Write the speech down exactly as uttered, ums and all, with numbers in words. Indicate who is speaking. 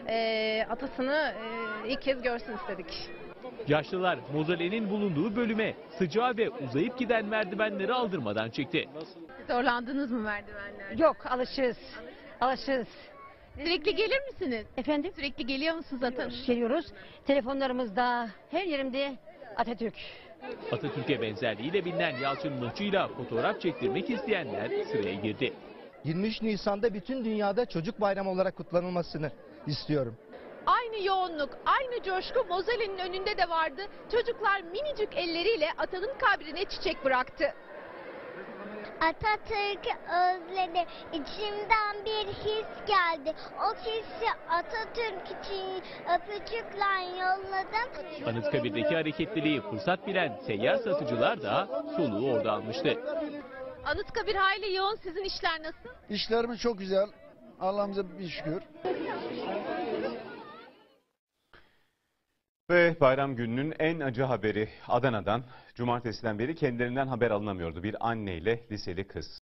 Speaker 1: e, atasını e, ilk kez görsün istedik.
Speaker 2: Yaşlılar mozolenin bulunduğu bölüme sıcağı ve uzayıp giden merdivenleri aldırmadan çekti.
Speaker 1: Zorlandınız mı merdivenlerde?
Speaker 3: Yok, alışırız. Alışırız.
Speaker 1: Sürekli gelir misiniz?
Speaker 3: Efendim?
Speaker 1: Sürekli geliyor musunuz atanın?
Speaker 3: Geliyoruz. Telefonlarımızda, her yerimde Atatürk.
Speaker 2: Atatürk'e benzerliğiyle bilinen Yalçın Mıhçı'yla fotoğraf çektirmek isteyenler sıraya girdi.
Speaker 4: yirmi üç Nisan'da bütün dünyada çocuk bayramı olarak kutlanılmasını istiyorum.
Speaker 1: Aynı yoğunluk, aynı coşku mozolenin önünde de vardı. Çocuklar minicik elleriyle atanın kabrine çiçek bıraktı.
Speaker 5: Atatürk'ü özledim. İçimden bir his geldi. O hissi Atatürk için öpücükle yolladım.
Speaker 2: Anıtkabir'deki hareketliliği fırsat bilen seyyar satıcılar da soluğu orada almıştı.
Speaker 1: Anıtkabir hayli yoğun, sizin işler nasıl?
Speaker 6: İşlerimiz çok güzel. Allah'ımıza bir şükür.
Speaker 7: Ve bayram gününün en acı haberi Adana'dan. Cumartesiden beri kendilerinden haber alınamıyordu. Bir anneyle liseli kız.